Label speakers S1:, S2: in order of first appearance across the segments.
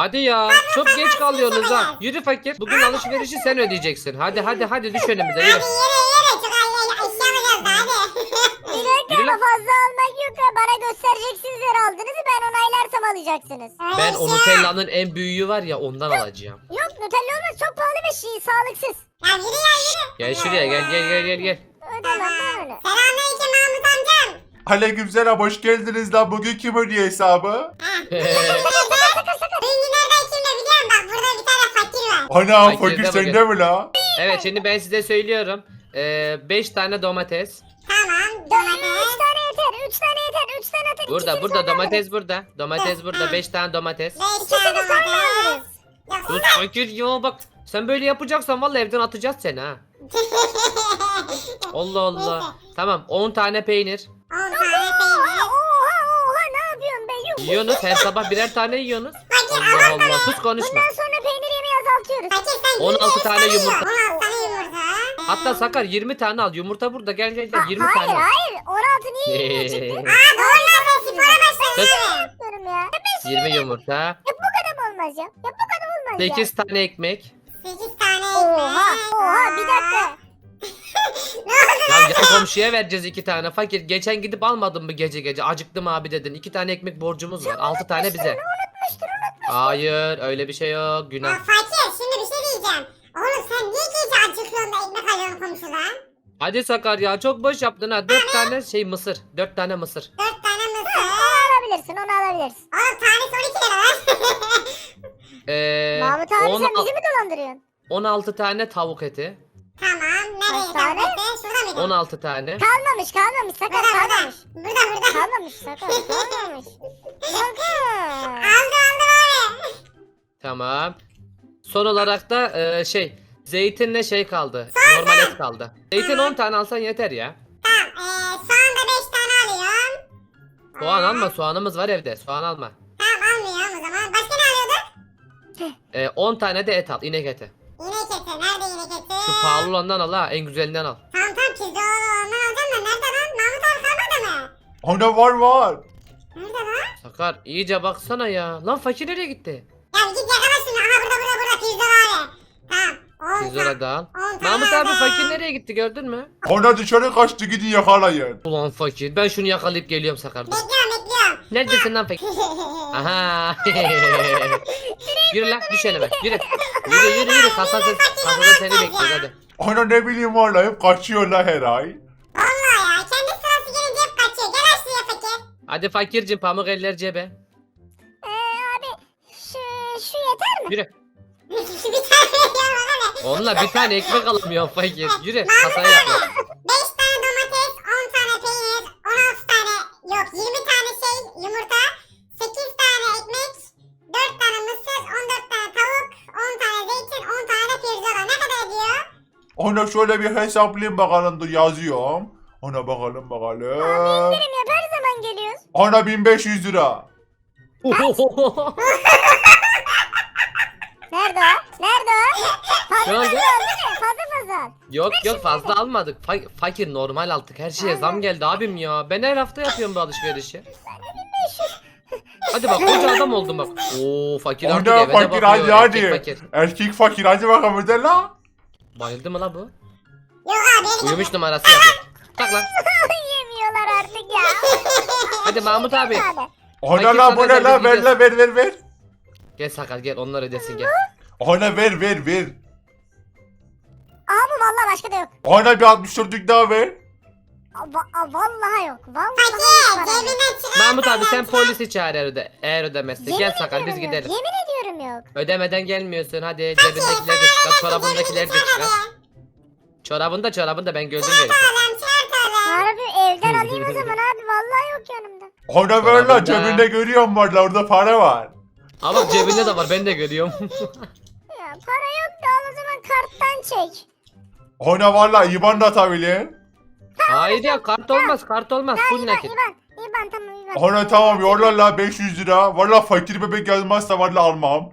S1: Hadi ya çok geç kalıyorsunuz ha. Yürü fakir. Bugün alışverişi sen ödeyeceksin. Hadi düş önümüze yürü.
S2: Yere çok eşya alacağız da hadi.
S3: Bir dakika
S1: Yürü
S3: ama
S1: lan.
S3: fazla almak yok ya. Bana göstereceksiniz her aldığınızı, ben onaylarsam alacaksınız.
S1: Ben o Nutella'nın en büyüğü var ya ondan alacağım.
S3: Yok Nutella olmaz, çok pahalı bir şey, sağlıksız.
S2: Ya yürü ya yürü.
S1: Gel şuraya gel.
S3: Ödemem ben öyle.
S2: Selamünaleyküm Mahmut amcam.
S4: Aleykümselam, hoş geldiniz lan. Bugün kim ödüyor hesabı?
S2: Bugün nereden kimle biliyorum bak burada bir tane fakir var.
S4: Ana
S1: Fakir
S4: fakir
S1: de
S4: sende mi la?
S1: Evet şimdi ben size söylüyorum. 5 tane domates.
S2: Tamam
S3: 3
S2: domates.
S3: tane yeter, 3 tane yeter, 3 tane yeter.
S1: Burada
S3: İkisini
S1: burada
S3: sonra
S1: domates burada. Domates burada 5 tane domates.
S2: 5 tane
S3: İkisini sonra
S2: domates.
S3: alırız.
S1: Dur fakir ya bak. Sen böyle yapacaksan vallahi evden atacağız seni ha. Allah Allah. Tamam 10 tane peynir.
S2: 10 tane peynir.
S3: Oha ne yapıyorsun be, yuh.
S1: Yiyorsunuz her sabah birer tane yiyorsunuz.
S2: Fakir
S1: Allah Allah sus konuşma.
S3: Bundan sonra peynir yemeği azaltıyoruz.
S2: Fakir sen
S1: 16 tane yumurta.
S2: 16 tane yumurta.
S1: Hatta Sakar 20 tane al. Yumurta burada gel 20
S3: Hayır
S1: tane al.
S3: hayır, 16 niye 20 çıktı?
S2: Aa doğru lan sen spora başladın.
S1: Kız,
S3: Yapıyorum ya.
S1: 20 yumurta.
S3: Ya bu kadar olmaz ya. Ya bu kadar olmaz ya.
S1: 8 tane ekmek.
S2: 8 tane
S3: Oha
S2: ekmek.
S3: oha, bir dakika.
S2: Ne oldu?
S1: Ya yan komşuya vereceğiz 2 tane. Fakir geçen gidip almadın mı gece? Acıktım abi dedin. 2 tane ekmek borcumuz var. 6 tane bize.
S3: Unutmuştur.
S1: Hayır öyle bir şey yok. Günah.
S2: Ya fakir şimdi bir şey diyeceğim. Oğlum sen niye gece acıkıyorsun da ekmek alıyorsun komşudan?
S1: Hadi Sakar ya çok boş yaptın ha. 4 tane mısır. 4 tane mısır.
S2: 4 tane mısır.
S3: Onu alabilirsin, onu alabilirsin.
S2: Oğlum tanesi 12 lira lan.
S3: Mahmut abi
S1: on-
S3: sen bizi mi dolandırıyorsun?
S1: 16 tane tavuk eti.
S2: Tamam nereye
S3: Kaç tane?
S2: tableti? Şurada mıydı?
S1: 16 tane.
S3: Kalmamış Sakar,
S2: Burada
S3: kalmamış.
S2: burada.
S3: Kalmamış Sakar, kalmamış. Sakar.
S2: Aldı abi.
S1: Tamam. Son olarak da zeytinle şey kaldı. Normal et kaldı. Zeytin 10 tane alsan yeter ya.
S2: Tamam soğan da 5 tane alıyorum.
S1: Soğan alma, soğanımız var evde. Soğan alma.
S2: Tamam almıyorum o zaman. Başka ne alıyorduk?
S1: 10 tane de et al, inek eti.
S2: İnek eti. Nerede inek eti?
S1: Şu pahalı olandan al ha, en güzelinden al.
S2: Tamam pizza olandan alacağım da nerede lan? Mahmut abi kalmadı mı?
S4: Ana var.
S2: Nerede lan?
S1: Sakar iyice baksana ya. Lan fakir nereye gitti?
S2: Ya git yakala şunu. Aha burada pizza var. Tamam. 10
S1: 100 lira da al.
S2: 10 tane
S1: Mahmut abi
S2: aldım.
S1: fakir nereye gitti gördün mü?
S4: Ana dışarı kaçtı, gidin yakalayın.
S1: Ulan fakir ben şunu yakalayıp geliyorum Sakar. Dur.
S2: Bekliyorum.
S1: Neredesin lan fakir? Aha. Yürü lan düş önüme yürü. Yürü kasada seni bekliyor hadi.
S4: Ana ne bileyim valla, hep kaçıyorlar her ay.
S2: Vallahi ya kendi sırası gelince hep kaçıyor. Gel aşağıya fakir.
S1: Hadi fakircim pamuk eller cebe.
S3: Abi şu yeter mi?
S1: Yürü.
S2: Bir tane ya bana ne?
S1: Onunla bir tane ekmek alamıyorum fakir. Yürü kasaya yap.
S2: 5 tane domates, 10 tane peynir, 16 tane yok 20 tane yumurta, 8 tane ekmek, 4 tane mısır, 14 tane tavuk, 10 tane zeytin, 10 tane de pirzola. Ne kadar ediyor?
S4: Ana şöyle bir hesaplayayım bakalım, dur yazıyorum. Ana bakalım.
S3: İndirim yap, her zaman geliyoruz.
S4: Ana 1500 lira.
S3: Nerede o? Nerede o? Fazla
S1: Ne oldu?
S3: al değil mi? Fazla al.
S1: Yok fazla almadık. Fakir normal aldık. Her şeye zam geldi abim ya. Ben her hafta yapıyorum bu alışverişi. Hadi bak koca adam oldum bak. Oo fakir artık
S4: Ana
S1: eve de
S4: fakir
S1: bakıyor.
S4: hadi
S1: Erkek
S4: hadi.
S1: fakir.
S4: Erkek fakir hadi bakalım öde la.
S1: Bayıldı mı la bu?
S2: Yok abi beni
S1: Uyumuş numarası yapıyor. Tak lan.
S3: Yemiyorlar artık ya.
S1: Hadi Mahmut abi.
S3: Abi.
S4: Ana
S1: Fakir
S4: la bu
S1: sana
S4: ne la, ver
S1: gideceğiz.
S4: la, ver.
S1: Gel Sakar gel onlar ödesin gel.
S4: Ana ver.
S3: Abi vallahi başka da yok.
S4: Ana bir 64'lük daha ver.
S3: Vallahi yok. Vallahi
S2: fakir
S3: yok.
S2: cebinden çıkar.
S1: Mahmut abi sen polisi çağır eğer ödemezse.
S3: Yemin
S1: Gel Sakar biz
S3: ediyorum yok.
S1: gidelim.
S3: Yemin ediyorum yok.
S1: Ödemeden gelmiyorsun hadi cebindekileri de çıkar çorabındakileri de çıkar. Çorabında ben gördüm gelirken.
S2: Çıkartalım çıkartalım.
S3: Harbi evden alayım o zaman abi. Vallahi yok yanımda.
S4: Ana ver la,
S1: Çorabında.
S4: cebinde görüyorum var la, orada para var.
S1: Ama bak cebinde de var ben de görüyorum.
S3: Ya para yok da al o zaman, karttan çek.
S4: Ana valla IBAN da atabilir.
S1: Hayır ya kart olmaz full nakit.
S3: İban tamam İban.
S4: Ana tamam yolla la 500 lira. Valla fakir bebek yazmazsa valla almam.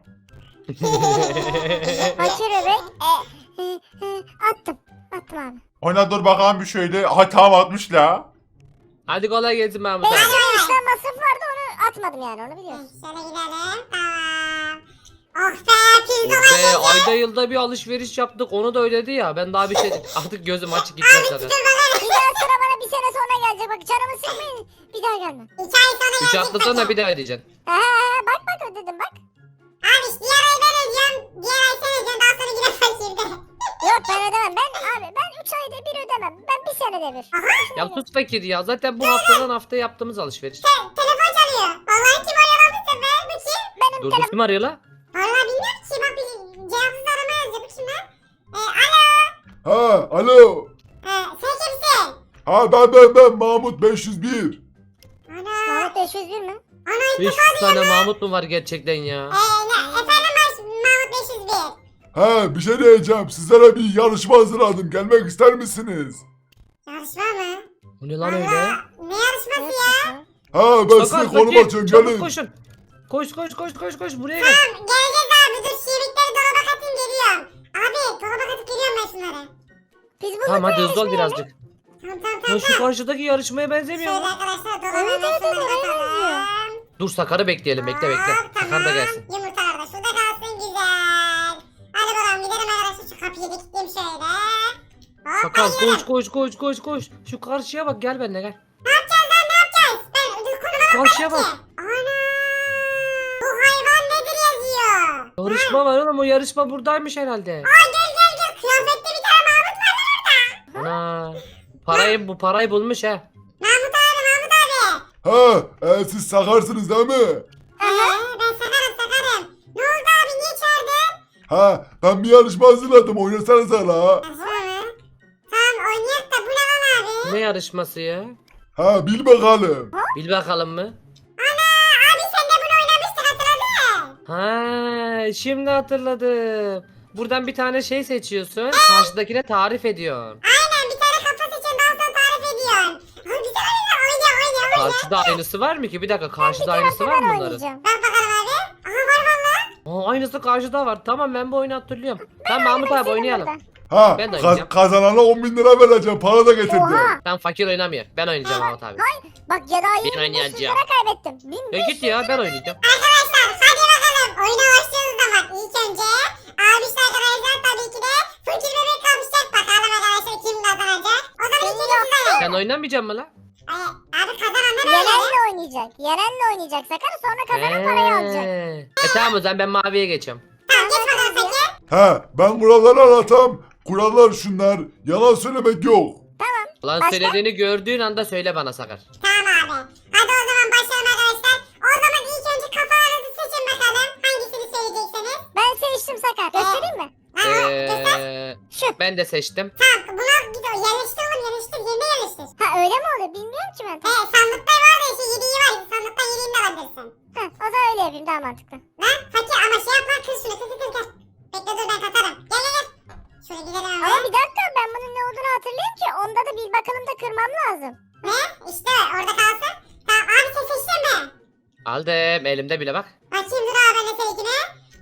S3: Fakir bebek. Attım. Attım abi.
S4: Ana dur bakalım bir şöyle. Ha tamam 60 la.
S1: Hadi kolay gelsin Mahmut
S3: 5
S1: abi.
S3: lira işlem masrafı vardı, onu atmadım yani, onu biliyorsun.
S2: Şöyle gidelim. Tamam. Oh be pirzola.
S1: Be ayda yılda bir alışveriş yaptık onu da ödedi ya. Ben daha bir şey artık gözüm açık gitmez
S2: Abi
S1: sana.
S2: pirzola.
S3: Bir daha sıra bana bir sene sonra gelecek. Bak canımı sıkmayın. Bir daha gelme.
S2: 2 ay sonra
S1: 3
S2: gelecek
S1: hafta sonra
S2: fakir.
S1: bir daha ödeyeceksin.
S3: Bak bak ödedim bak.
S2: Abi işte diğer ay ben ödeyeceğim. Diğer ay sen ödeyeceksin. Daha sonra yine fakirde.
S3: Yok ben ödemem. Ben 3 ayda bir ödemem. Ben bir senede bir.
S1: Ya sus fakir ya. Zaten bu haftadan haftaya yaptığımız alışveriş.
S2: Telefon çalıyor. Vallahi kim arıyor lan bu sefer? Bu kim?
S3: Benim
S1: Dur dur kim arıyor la?
S2: Vallahi bilmiyorum ki. Bak bir cevapsız arama yazıyor. Bu kim lan? Alo.
S4: Ha alo.
S2: Sen kimsin?
S4: Ha ben Mahmut 501.
S2: Ana.
S3: Mahmut 501 mi?
S2: Ana ilk
S1: 500 tane Mahmut mu var gerçekten ya?
S2: efendim Mahmut 501.
S4: Ha bir şey diyeceğim. Sizlere bir yarışma hazırladım. Gelmek ister misiniz?
S2: Yarışma mı?
S1: Bu ne lan öyle?
S2: Valla ne yarışması ya?
S4: Ha ben size
S1: Sakar
S4: konum
S1: fakir
S4: açıyorum
S1: çabuk
S4: gelin.
S1: koşun. Koş buraya gel.
S2: Tamam geleceğiz abi dur şiirlikleri dolaba katayım geliyorum. Abi dolaba katıp geliyorum ben şunları.
S3: Biz bulduk
S1: Tamam hadi
S3: bu
S1: hızlı ol
S3: yarışmayı.
S1: birazcık.
S2: Tamam.
S1: Ya şu karşıdaki yarışmaya benzemiyor
S2: Şöyle
S1: mu?
S2: arkadaşlar dolaba
S3: Evet,
S2: ben
S3: evet,
S2: şunları
S3: oraya
S2: katalım.
S1: Dur Sakar'ı bekleyelim bekle.
S2: Hop,
S1: Sakar da gelsin.
S2: Yumurtalar da şurada kalsın güzel. Hadi bakalım gidelim arkadaşlar şu kapıyı da kilitleyeyim şöyle. Hop,
S1: Sakar
S2: hadi gidelim.
S1: koş. Şu karşıya bak gel benimle gel.
S2: Ne yapacağız lan ne yapacağız? Ben dur konuma
S1: Karşıya bak.
S2: Ana. Bu hayvan nedir yazıyor?
S1: Yarışma var oğlum o yarışma buradaymış herhalde.
S2: Gel. Kıyafette bir tane Mahmut var lan orada.
S1: Ana. Bu parayı bulmuş ha.
S2: Mahmut abi.
S4: Ha siz sakarsınız değil mi?
S2: Ben sakarım. Ne oldu abi niye çağırdın?
S4: Ha ben bir yarışma hazırladım. Oynasanıza la.
S2: Yarışma mı? Tamam oynayak da bu ne lan abi?
S1: Ne yarışması ya?
S4: Ha bil bakalım.
S1: Bil bakalım mı?
S2: Abi sen de bunu oynamıştın hatırladın.
S1: Ha, şimdi hatırladım. Buradan bir tane şey seçiyorsun. Karşıdakine tarif ediyorsun.
S2: Aynen bir tane kafa seçiyorsun daha sonra tarif ediyorsun. Abi güzel oyna.
S1: Karşıda aynısı var mı ki? Bir dakika karşıda
S3: Bir
S1: aynısı
S3: kere
S1: var mı
S3: ben
S1: bunların?
S3: oynayacağım.
S2: Bak bakalım abi. Aha var valla.
S1: Aa, aynısı karşıda var. Tamam ben bu oyunu hatırlıyorum. Tamam Mahmut abi
S3: Senin
S1: oynayalım.
S3: burada.
S4: Ha
S1: Ben de oynayacağım.
S4: kazanana 10.000 lira vereceğim. Para da getirdim.
S3: Oha.
S1: Ben fakir oynamıyor. Ben oynayacağım Mahmut abi.
S3: Bak ya daha
S1: Ben
S3: yeni 1500
S1: oynayacağım.
S3: lira kaybettim.
S1: Ya git ya ben oynayacağım.
S2: Arkadaşlar hadi bakalım. Oyuna başlıyoruz zaman. İlk önce abişler arkadaşlar tabii ki de fakir bebek kapışacak. Bakalım arkadaşlar kim kazanacak. O zaman ilk önce siz oynayın.
S1: Sen oynamayacak mısın lan?
S2: Abi kazananlar öyle.
S3: Yerenle oynayacak. Yerenle oynayacak Sakar sonra kazanan parayı alacak.
S1: Tamam o zaman ben maviye geçiyorum.
S2: Tamam geç bakalım fakir.
S4: Ha ben kuralları anlatam. Kurallar şunlar. Yalan söylemek yok.
S1: Lan
S3: Başka?
S1: söylediğini gördüğün anda söyle bana Sakar.
S2: Tamam abi. Hadi o zaman başlayalım arkadaşlar. O zaman ilk önce kafalarınızı seçin bakalım. Hangisini söyleyeceksiniz?
S3: Ben seçtim Sakar. Göstereyim mi?
S1: Ee,
S3: Şu.
S1: ben de seçtim.
S2: Tamam buna gidiyor. Yerleştir oğlum yerleştir. Yerine yerleştir.
S3: Ha öyle mi oluyor? Bilmiyorum ki ben.
S2: Sandıkta var da işte yediği var. Sandıkta yediğini de alabilirsin.
S3: Ha, o zaman öyle yapayım daha mantıklı.
S2: Lan fakir ama şey yapma kır şunu kır. Bekle dur ben katarım. Gel. Şöyle gidelim
S3: Ama
S2: hemen.
S3: bir dakika ben bunun ne olduğunu hatırlıyorum ki. Onda da bir bakalım da kırmam lazım.
S2: Ne? İşte orada kalsın. Tamam abi sen seçtin mi?
S1: Aldım elimde bile bak.
S2: Bakayım dur abi ben de seninkine.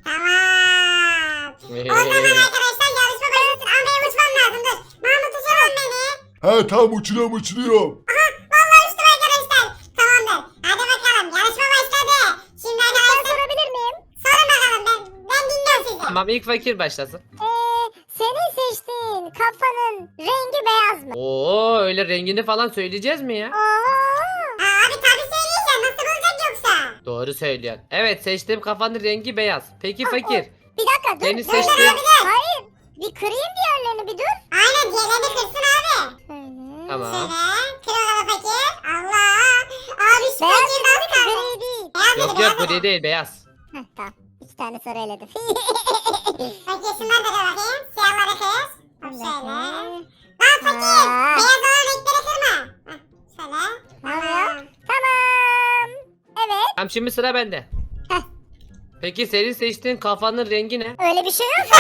S2: Tamam. O zaman arkadaşlar yarışma başlasın. Ama benim uçmam lazım dur. Mahmut uçurun beni.
S4: Ha tamam uçuruyorum.
S2: Vallahi uçtum arkadaşlar. Tamamdır. Hadi bakalım yarışma başladı. Şimdi
S3: Ben
S2: arkadaşlar
S3: sorabilir miyim?
S2: sorun bakalım ben dinliyorum sizi.
S1: Tamam ilk fakir başlasın.
S3: Senin seçtiğin kafanın rengi beyaz mı?
S1: Oo öyle rengini falan söyleyeceğiz mi ya?
S3: Oha.
S2: Abi tabii söyleyeceğim nasıl olacak yoksa?
S1: Doğru söylüyorsun. Evet seçtiğim kafanın rengi beyaz. Peki fakir.
S3: Bir dakika dur.
S1: Seni
S3: dur,
S1: seçtiğim-
S3: dur. Hayır. Bir kırayım diğerlerini bir dur.
S2: Aynen diğerlerini kırsın abi.
S3: Şöyle.
S1: Tamam.
S2: Şöyle kır bakalım fakir. Allah. Abi şu
S3: Beyaz
S2: fakir
S3: değil
S2: nasıl kaldı?
S3: gri değil.
S2: Beyaz
S1: Yok
S2: dedi,
S1: yok
S2: beyaz
S1: bu
S2: dedi.
S1: değil beyaz.
S3: Heh, tamam. 2 tane soru eledim.
S2: Fakir şunları da kır bakayım. Siyahları kır. Bak şöyle. Lan fakir.
S3: Ha.
S2: Beyaz olan renkleri kırma. Heh, şöyle.
S3: Ne oluyor? Tamam. Evet.
S1: Tamam şimdi sıra bende.
S3: Heh.
S1: Peki senin seçtiğin kafanın rengi ne?
S3: Öyle bir şey yok.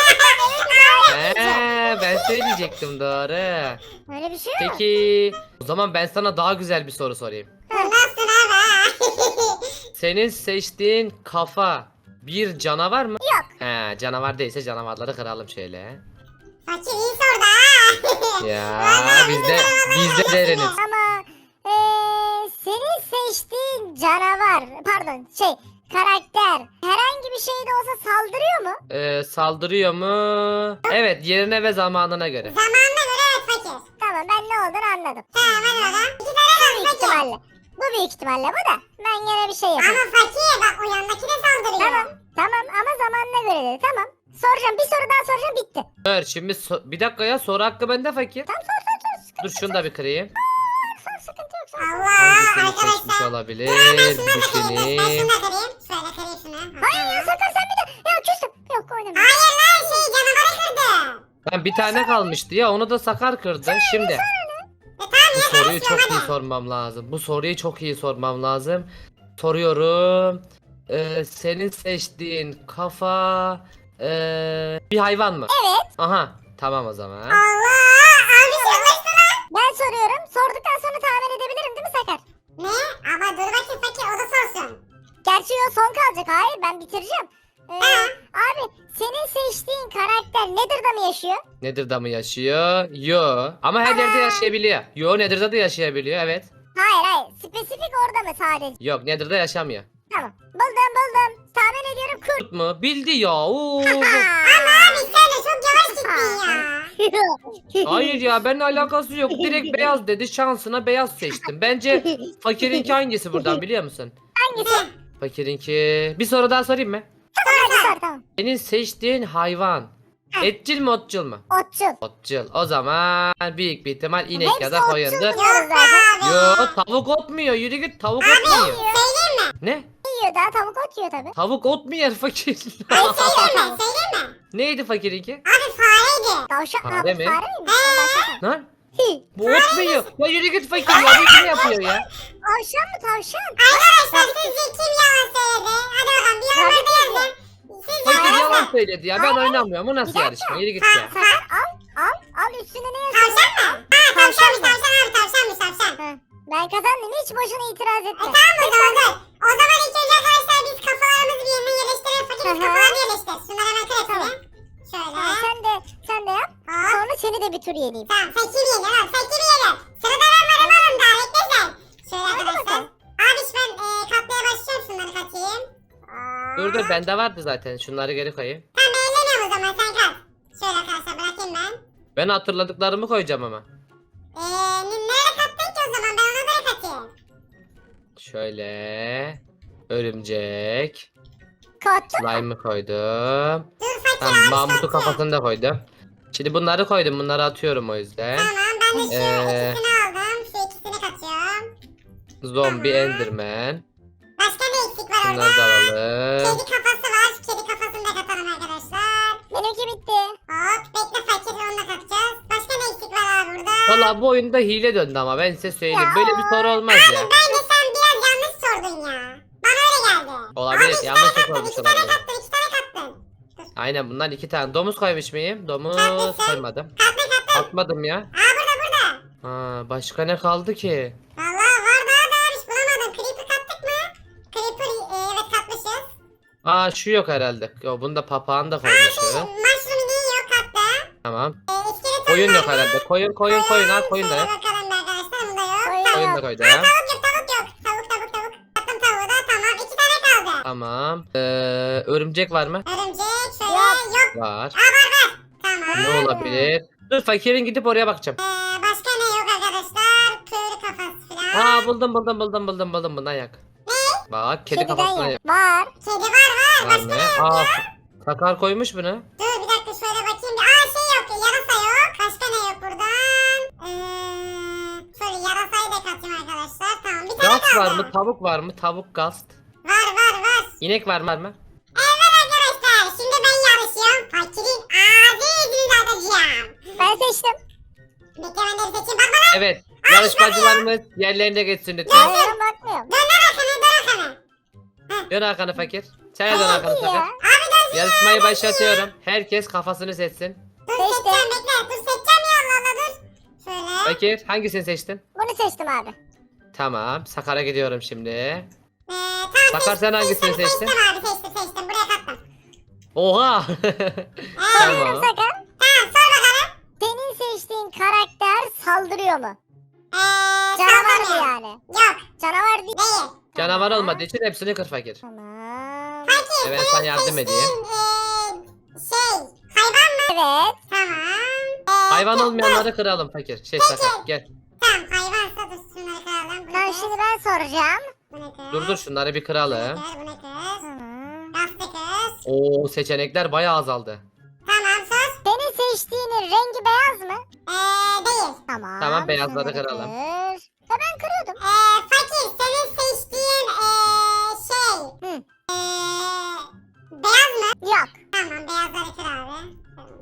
S1: Ben söyleyecektim doğru.
S3: Öyle bir şey yok.
S1: Peki o zaman ben sana daha güzel bir soru sorayım.
S2: Nasılsın abi?
S1: Senin seçtiğin kafa bir canavar mı?
S3: Yok.
S1: He canavar değilse canavarları kıralım şöyle.
S2: Fakir iyi sordu ha.
S1: Ya biz de deriniz.
S3: Ama senin seçtiğin canavar pardon karakter herhangi bir şeyde olsa saldırıyor mu?
S1: Saldırıyor mu? Evet, yerine ve zamanına göre.
S2: Zamanına göre evet fakir.
S3: Tamam ben ne olduğunu anladım.
S2: Tamam hadi bakalım. İki tane
S3: Büyük
S2: kaldı fakir.
S3: ihtimalle. Bu büyük ihtimalle bu da. Ben gene bir şey yapayım.
S2: Ama fakir bak o yandaki de saldırıyor.
S3: Tamam ama zamanına göre dedi. Tamam. Soracağım bir soru daha soracağım bitti.
S1: Dur şimdi bir dakika ya, soru hakkı bende fakir.
S3: Tamam sor.
S1: Dur şunu da bir kırayım.
S3: Sıkıntı yok.
S2: Allah
S1: Hangisini seçmiş
S2: arkadaşlar.
S1: olabilir?
S2: Ben
S1: Bir
S2: şunu da kırayım. Ben
S1: düşüneyim.
S2: şunu da kırayım. Şöyle kırayım şunu.
S3: Hayır ya Sakar sen bir de. Ya küstüm. Yok oynamıyorum.
S2: Hayır lan şey canavarı kırdı.
S1: Ben bir tane kalmıştı ya, onu da Sakar kırdı. Şimdi
S2: Tamam
S1: bu
S2: ya
S1: soruyu çok
S2: karışıyorum
S1: iyi
S2: hadi.
S1: sormam lazım. Bu soruyu çok iyi sormam lazım. Soruyorum. Senin seçtiğin kafa bir hayvan mı?
S3: Evet.
S1: Aha, tamam o zaman.
S2: Allah abi yaklaştı lan.
S3: Ben soruyorum. Sorduktan sonra tahmin edebilirim değil mi Sakar?
S2: Ne? Ama dur bakayım fakir o da sorsun.
S3: Gerçi o son kalacak. Hayır ben bitireceğim. Abi senin seçtiğin karakter Nether'da mı yaşıyor?
S1: Nether'da mı yaşıyor? Yo. Ama her yerde yaşayabiliyor. Yo, Nether'da da yaşayabiliyor, evet.
S3: Hayır. Spesifik orada mı sadece?
S1: Yok, Nether'da yaşamıyor.
S3: Tamam. Buldum. Tahmin ediyorum kurt.
S1: Kurt mu? Bildi ya. Oo.
S2: Ama abi sen de çok yavaş gittin ya.
S1: Hayır ya, benimle alakası yok. Direkt beyaz dedi. Şansına beyaz seçtim. Bence fakirinki hangisi buradan, biliyor musun?
S3: Hangisi?
S1: Fakirinki. Bir soru daha sorayım mı?
S3: Sor tamam.
S1: Senin seçtiğin hayvan
S3: Heh.
S1: etçil mi otçul mu?
S3: Otçul.
S1: Otçul. O zaman büyük bir ihtimal inek
S3: Hepsi
S1: ya da
S3: otçul
S1: koyundur.
S3: diyoruz
S2: Yok
S3: zaten.
S2: abi.
S1: Yo, tavuk ot mu yiyor? Yürü git, tavuk ot mu yiyor?
S2: Söyleyeyim mi?
S1: Ne?
S3: Yiyor daha tavuk ot yiyor tabi.
S1: Tavuk ot mu yer fakir?
S2: Söyleyeyim mi?
S1: Neydi fakirinki?
S2: Abi fareydi.
S3: Tavşan
S1: Fare
S3: abi
S1: mi?
S3: fare miymiş? Tavşan.
S1: Lan bu ot mu yiyor? Ya yürü git fakir ya, bu kim yapıyor ya?
S3: Tavşan mı tavşan?
S2: Arkadaşlar sizce kim yalan söyledi? Hadi bakalım bir yorumlarda yazın. Sizce
S1: Fakir yalan söyledi ya, ben oynamıyorum. Bu nasıl yarışma? Yürü git ya.
S3: Sakar al üstüne ne yazıyor?
S2: Tavşan mı? Ha tavşanmış tavşan abi tavşanmış tavşan.
S3: Ha, ben kazandım hiç boşuna itiraz etme.
S2: Tamam o zaman dur. O zaman ilk önce arkadaşlar biz kafalarımızı bir yerine yerleştirelim. Fakir
S3: Hı
S2: biz
S3: hı.
S2: kafalarını yerleştir. Şunları hemen kır hepsini. Şöyle.
S3: Tamam, sen de yap.
S2: Hop.
S3: Sonra seni de bir tur yeneyim.
S2: Tamam fakir yener abi fakir yener. Sırada ben varım oğlum daha bekle sen. Şöyle arkadaşlar.
S3: bakalım.
S2: Abi ben katmaya başlıyorum şunları katayım.
S1: Dur bende vardı zaten. Şunları geri koyayım.
S2: Tamam ben ellemiyorum o zaman sen kat. Şöyle arkadaşlar bırakayım ben.
S1: Ben hatırladıklarımı koyacağım ama.
S2: Nereye kattın ki o zaman ben ona göre katayım.
S1: Şöyle. Örümcek.
S3: Kottun.
S1: Slime'ı koydum.
S2: Dur fakir
S1: Tamam,
S2: abi
S1: Mahmut'u
S2: sen
S1: kafasını da koydum. Şimdi bunları koydum. Bunları atıyorum o yüzden.
S2: Tamam ben de şu
S1: Ee.
S2: ikisini aldım. Şu ikisini katıyorum.
S1: Zombi Enderman.
S2: Başka ne eksik var orada?
S1: Bunları da alalım.
S2: Kedi kafası var. Şu kedi kafasını da katalım arkadaşlar.
S3: Benimki bitti.
S2: Hop bekle fakir onu da katacağız. Başka ne eksik var abi burada?
S1: Valla bu oyunda hile döndü ama ben size söyleyeyim.
S3: Ya.
S1: Böyle bir soru olmaz ya.
S2: Bence sen biraz yanlış sordun ya. Bana öyle geldi.
S1: Olabilir,
S2: Abi iki
S1: yanlış
S2: tane
S1: olmuş
S2: kattın, iki tane
S1: olabilir.
S2: kattın, iki tane kattın.
S1: Aynen, bunlar 2 tane. Domuz koymuş muyum? Domuz
S2: Katlısın.
S1: koymadım.
S2: Kattın kattın.
S1: Atmadım ya.
S2: Burada.
S1: Ha, başka ne kaldı ki?
S2: Valla var daha da hiç bulamadım. Creeper kattık mı? Creeper evet katmışız.
S1: Aa, şu yok herhalde. Yo, bunda papağan da koymuşuz.
S2: Mushroom yok kattı.
S1: Tamam.
S2: İskelet
S1: Koyun yok
S2: var mı?
S1: herhalde. Koyun. Ha, koyun da
S2: Şöyle
S1: yok.
S2: bakalım bir arkadaşlar bunda yok.
S3: Koyun
S1: Koyun
S3: yok.
S1: da koydum.
S2: Tavuk yok. Tavuk. Kattım tavuğu da tamam. 2 tane kaldı.
S1: Tamam. Örümcek var mı?
S2: Örümcek şöyle
S3: Yok.
S2: yok.
S1: Var.
S2: Tamam.
S1: Ne olabilir? Dur, fakirin gidip oraya bakacağım.
S2: Başka ne yok arkadaşlar? Köylü kafası falan.
S1: Aa, buldum. Bundan yak. Bak, kedi
S3: Kediden
S1: kafasına
S3: yok.
S1: yak.
S3: Var.
S2: Kedi var.
S1: Var
S2: Başka
S1: mı?
S2: ne yok
S1: Aa,
S2: ya?
S1: Sakar koymuş bunu.
S2: Dur bir dakika şöyle bakayım. Şey yok. Yarasa yok. Başka ne yok buradan? Şöyle yarasayı da katayım arkadaşlar. Tamam bir tane
S1: Gast var
S2: kaldı.
S1: mı? Tavuk var mı? Tavuk gast.
S2: Var.
S1: İnek var mı?
S2: Evet arkadaşlar şimdi ben yarışıyorum. Fakirin ağzını atacağım.
S3: Ben seçtim.
S2: Bekle ben de bir seçeyim. Bak bana.
S1: Evet. Yarışmacılarımız yerlerine geçsin lütfen.
S3: Ben bakmıyorum.
S2: Dön arkanı.
S1: Dön arkanı fakir. Sen de dön arkanı
S3: Hadi ya.
S1: sakar.
S2: Abi dön.
S1: Yarışmayı başlatıyorum. Herkes kafasını seçsin.
S2: Dur
S3: Seçtim.
S2: seçeceğim bekle. Dur seçeceğim ya Allah dur. Şöyle.
S1: Fakir, hangisini seçtin?
S3: Bunu seçtim abi.
S1: Tamam. Sakar'a gidiyorum şimdi.
S2: Tamam.
S1: Sakar, sen hangisini seçtin?
S2: Seçtim abi seçtim. Buraya kattım.
S1: Oha.
S3: Soruyorum
S1: Tamam.
S3: Sakar.
S2: Tamam sor bakalım.
S3: Senin seçtiğin karakter saldırıyor mu?
S2: Canavar
S3: Canavar mı yani?
S2: Yok
S3: Canavar değil.
S2: değil.
S1: Canavar olmadığı için hepsini kır fakir.
S3: Tamam.
S1: Ben sana yardım edeyim.
S2: Hayvan mı?
S3: Evet.
S2: Tamam.
S1: Hayvan olmayanları kıralım fakir. Sakar gel.
S2: Tamam hayvansa dur şunları kıralım.
S3: Tamam şimdi ben soracağım.
S2: Bu ne kız?
S1: Dur şunları bir kıralım.
S2: Bu ne kız?
S3: Tamam.
S2: Rastı kız.
S1: Oo seçenekler bayağı azaldı.
S2: Tamam sus.
S3: Senin seçtiğinin rengi beyaz mı?
S2: Değil.
S3: Tamam.
S1: Tamam, beyazları
S3: şunları
S1: kıralım.
S3: kır. Ya ben kırıyordum.
S2: Fakir senin seçtiğin şey.
S3: Hı.
S2: Beyaz mı?
S3: Yok.
S2: Tamam beyazları kır abi.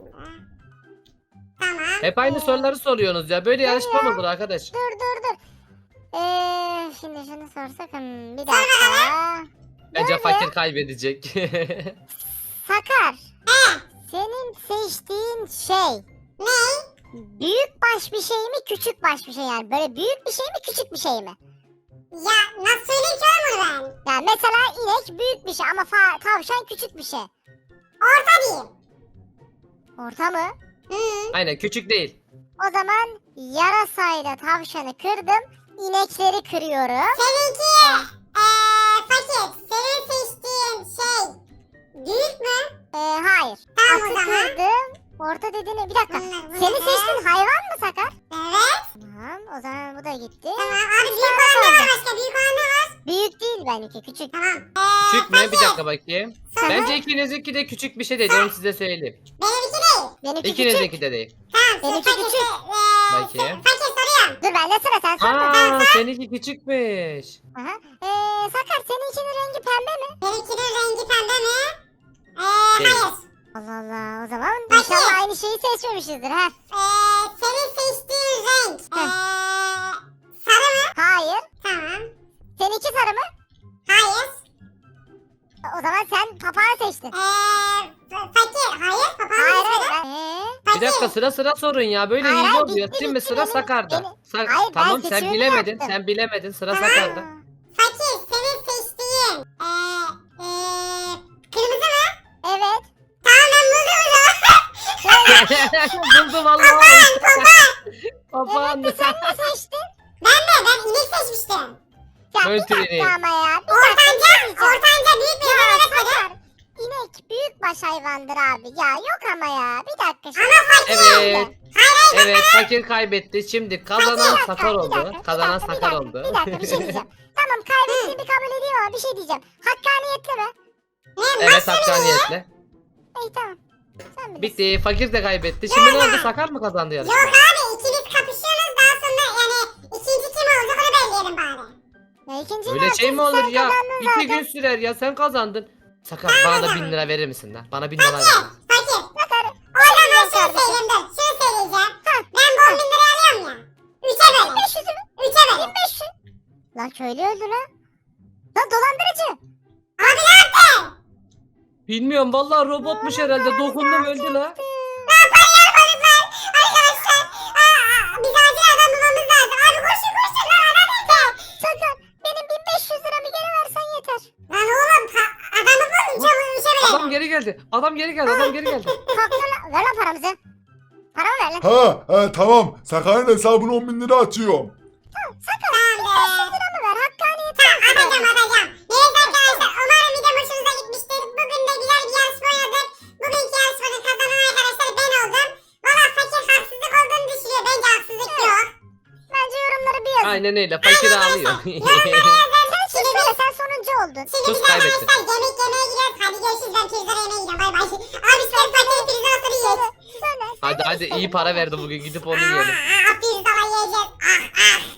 S2: Tamam.
S1: Hep aynı soruları soruyorsunuz ya. Böyle yarışma mı olur arkadaş?
S3: Dur. Şimdi şunu sorsak. Bir dakika.
S1: Bence
S3: Böyle.
S1: fakir kaybedecek.
S3: Sakar. Senin seçtiğin şey
S2: Ne?
S3: büyük baş bir şey mi küçük baş bir şey yani böyle büyük bir şey mi küçük bir şey mi?
S2: Ya nasıl söyleyeyim ki oğlum bunu ben?
S3: Yani mesela inek büyük bir şey ama tavşan küçük bir şey.
S2: Orta diyeyim.
S3: Orta mı?
S1: Aynen küçük değil.
S3: O zaman yarasayla tavşanı kırdım. İnekleri kırıyorum.
S2: Seninki fakir. Senin seçtiğin şey büyük mü?
S3: Hayır.
S2: Tamam o
S3: Atı
S2: zaman.
S3: kırdım. Orta dediğini bir dakika.
S2: Bunlar-
S3: Senin
S2: bunlar-
S3: seçtiğin hayvan mı Sakar?
S2: Evet.
S3: Tamam o zaman bu da gitti.
S2: Tamam abi büyük olan ne var başka? Büyük olan ne var?
S3: Büyük değil benimki küçük.
S2: Tamam.
S1: Küçük mü? Bir dakika bakayım.
S2: Sonra-
S1: Bence ikinizinki de küçük bir şey değil. Onu size söyleyeyim.
S2: Benimki değil.
S3: Benimki küçük.
S1: İkinizinki de değil.
S2: Tamam.
S3: Benimki
S2: fakir,
S3: küçük.
S1: Bakayım.
S2: Fakir soruyorum.
S3: Dur bende sıra sen sor.
S1: Aa seninki küçükmüş.
S3: Aha. Sakar seninkinin rengi pembe mi?
S2: Benimkinin rengi pembe mi?
S1: Değil.
S2: Hayır.
S3: Allah Allah o zaman
S2: Peki.
S3: inşallah aynı şeyi seçmemişizdir ha.
S2: Senin seçtiğin renk
S3: Heh.
S2: sarı mı?
S3: Hayır.
S2: Tamam.
S3: Seninki sarı mı?
S2: Hayır.
S3: O zaman sen papağan seçtin.
S2: Fakir. Hayır. Papağan
S3: Hayır
S2: seçmedi.
S3: hayır.
S1: Bir dakika sıra sorun ya. Böyle
S3: Hayır,
S1: hile
S3: hayır,
S1: oluyor.
S3: bitti,
S1: Şimdi
S3: bitti,
S1: sıra
S3: benim-
S1: Sakar'da.
S3: benim- Hayır, ben
S1: Tamam sen
S3: seçimimi
S1: bilemedin.
S3: yaptım.
S1: Sen bilemedin. Sıra
S2: Tamam.
S1: Sakar'da.
S2: Fakir. Senin seçtiğin kırmızı mı?
S3: Evet.
S2: Tamam ben buldum onu.
S1: Buldum Allah'ım. Papağan.
S3: Evet de sen ne seçtin?
S2: Ben inek seçmiştim.
S3: Ya bir
S1: Möntür
S3: dakika
S1: ineği.
S3: ama ya. Bir
S2: Ortanca büyük bir
S3: Ya
S2: inek seçmedim.
S3: Sakar. İnek büyük baş hayvandır abi. Ya yok ama ya. Bir dakika şimdi.
S2: Ama fakir.
S1: Evet. Evet fakir kaybetti. Şimdi kazanan Sakar oldu. Kazanan Sakar oldu.
S3: Bir dakika bir şey diyeceğim. Tamam kaybettiğimi kabul ediyorum ama bir şey diyeceğim. Hakkaniyetli mi?
S1: Evet hakkaniyetle.
S3: İyi tamam. Sen bilirsin.
S1: Bitti. Fakir de kaybetti. Şimdi ne oldu? Sakar mı kazandı
S2: Yok
S1: yarışmayı?
S2: abi ikiniz kapışıyorsunuz daha sonra yani ikinci kim olacak onu belirleyelim bari.
S3: Ya ikinci
S1: Öyle şey mi
S3: sen
S1: olur ya?
S3: kazandın
S1: 2
S3: zaten.
S1: gün sürer ya. Sen kazandın. Sakar bana da 1000 lira verir misin lan? Bana 1000 lira ver.
S2: Fakir.
S3: Sakar.
S2: O zaman şunu
S3: kardeşim.
S2: söyleyeyim dur. Şunu söyleyeceğim. Ben bu 10 bin lirayı alıyorum ya. 3'e bölün.
S3: 1500'ü mü?
S2: 3'e bölün.
S3: 1500. Lan köylü öldü lan. Lan dolandırıcı.
S2: Abi ne yaptın?
S1: Bilmiyorum vallahi robotmuş herhalde. Dokundum öldü la.
S2: Paralar balıklar. Arkadaşlar. Biz acil adam bulmamız lazım. Abi koşun lan adam nerede?
S3: Sakar benim 1500 liramı geri versen yeter.
S2: Lan oğlum adamı bulun çabuk 3'e bölün.
S1: Adam geri geldi. Adam geri geldi. Adam geri geldi.
S3: Kalktır lan. Ver lan paramızı. Paramı ver lan.
S4: Tamam. Sakar'ın hesabına 10.000 lira atıyorum.
S3: Sakar
S2: Tamamdır.
S3: 1500 liramı ver. Hakkaniyet.
S2: Tamam atacağım. Neyse arkadaşlar umarım video hoşunuza gitmiştir. Bugün de güzel bir yarışma oynadık. Bugünkü yarışmanın kazanan arkadaşlar ben oldum. Valla fakir haksızlık olduğunu düşünüyor. Bence haksızlık yok.
S3: Bence yorumları bir yazın.
S1: Aynen öyle. Fakir ağlıyor.
S3: Sen söyle sen sonuncu oldun.
S2: Şimdi
S1: Sus,
S2: biz
S1: kaybettin.
S2: arkadaşlar yemek yemeye gidiyoruz. Hadi görüşürüz. Ben pizza yemeye gidiyorum. Bay bay. Abi sen fakir pizza sonra yiyoruz.
S3: Söyle.
S1: Hadi iyi para verdi bugün. Gidip onu yiyelim.
S2: Pizza yiyeceğiz.